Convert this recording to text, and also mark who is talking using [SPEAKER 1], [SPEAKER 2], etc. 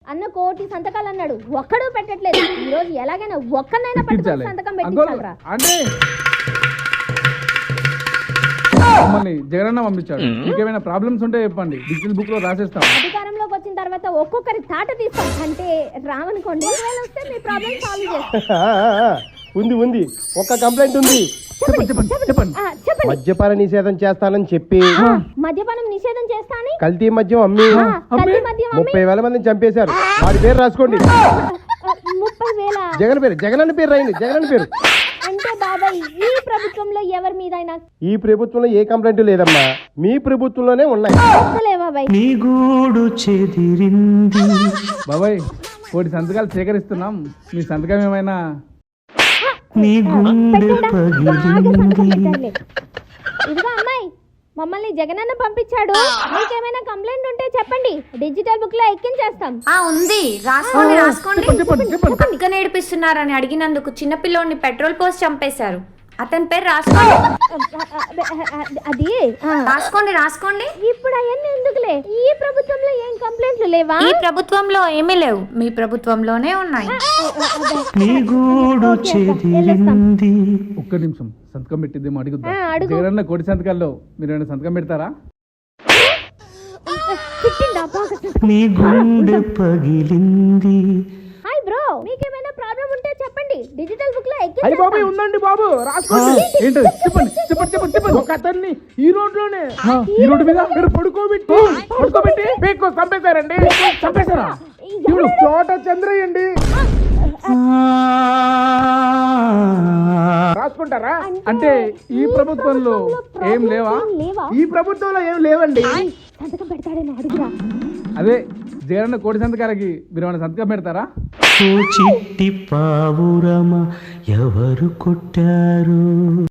[SPEAKER 1] అన్న కోటి సంతకాలు అన్నాడు, ఒక్కడు పెట్టట్లేదు. ఈ రోజు ఎలాగైనా ఒక్కనైనా పట్టుకొని సంతకం పెట్టించాలరా.
[SPEAKER 2] అంటే మమ్మల్ని జగనన్న పంపించాడు. మీకేమైనా ప్రాబ్లమ్స్ ఉంటే చెప్పండి, డిజిటల్ బుక్ లో రాసేస్తాం.
[SPEAKER 1] అధికారంలోకి వచ్చిన తర్వాత ఒక్కొక్కరి తాట తీస్తాం. అంటే రామనుకోండి, వస్తే మీ ప్రాబ్లమ్ సాల్వ్ చేస్తాం.
[SPEAKER 3] ఉంది ఒక్క కంప్లైంట్ ఉంది.
[SPEAKER 2] చెప్పండి.
[SPEAKER 3] మద్యపాన నిషేధం చేస్తానని చెప్పి
[SPEAKER 1] మద్యపానం నిషేధం చేస్తానని
[SPEAKER 3] కల్తీ మద్యం అమ్మి 30,000 మందిని చంపేశారు. వాడి పేరు రాసుకోండి.
[SPEAKER 1] 30,000
[SPEAKER 3] జగన్ అన్న పేరు రాయండి. జగన్ అన్న పేరు.
[SPEAKER 1] అంటే బాబాయ్ ఈ ప్రభుత్వంలో ఎవరి మీద అయినా
[SPEAKER 3] ఈ ప్రభుత్వంలో ఏ కంప్లైంట్ లేదమ్మా, మీ ప్రభుత్వంలోనే ఉన్నాయి.
[SPEAKER 2] బాబాయ్ కోటి సంతకాలు సేకరిస్తున్నాం, మీ సంతకం ఏమైనా?
[SPEAKER 1] ఇదిగో అమ్మాయి, మమ్మల్ని జగనన్న పంపించాడు. మీకేమైనా కంప్లైంట్ ఉంటే చెప్పండి, డిజిటల్ బుక్ లో ఎక్కించేస్తాం.
[SPEAKER 4] ఉంది, రాసుకోండి. పక్క నేర్పిస్తున్నారని అడిగినందుకు చిన్నపిల్లోని పెట్రోల్ పోసి చంపేశారు. అతని పేరు రాసుకోండి.
[SPEAKER 1] అది
[SPEAKER 4] రాసుకోండి.
[SPEAKER 1] ఇప్పుడు అవన్నీ ఎందుకులే, ఈ ప్రభుత్వంలో ఏం కంప్లైంట్లు లేవా?
[SPEAKER 4] ఈ ప్రభుత్వంలో ఏమీ లేవు, మీ ప్రభుత్వంలోనే ఉన్నాయి.
[SPEAKER 2] ఒక్క నిమిషం, సంతకం పెట్టిద్దేమో అడుగుద్దాం. జగనన్న కోటి సంతకాల్లో మీరు ఏమైనా సంతకం పెడతారా?
[SPEAKER 1] హాయ్ బ్రో, మీకేమైనా ప్రాబ్లం ఉంటే చెప్పండి, డిజిటల్ బుక్ లో
[SPEAKER 3] అయ్యి బాబాయ్ ఉందండి బాబు, రాసుకోండి.
[SPEAKER 2] ఏంటది? చెప్పండి.
[SPEAKER 3] ఒక అతన్ని ఈ రోడ్లోనే
[SPEAKER 2] ఈ రోడ్డు మీద
[SPEAKER 3] పడుకోబెట్టి పీక్కు చంపేశారండి.
[SPEAKER 2] చంపేశారా?
[SPEAKER 3] ఇప్పుడు చోట చంద్రయ్య అండి. రాసుకుంటారా?
[SPEAKER 2] అంటే ఈ ప్రభుత్వంలో ఏం లేవా?
[SPEAKER 3] ఈ ప్రభుత్వంలో ఏం లేవండి.
[SPEAKER 1] సంతకం పెడతాడేమో అడుగురా.
[SPEAKER 2] అదే జగనన్న కోటి సంతకాలకి మీరు ఏమైనా సంతకం పెడతారా?
[SPEAKER 5] చిట్టి పావురమ ఎవరు కొట్టారు?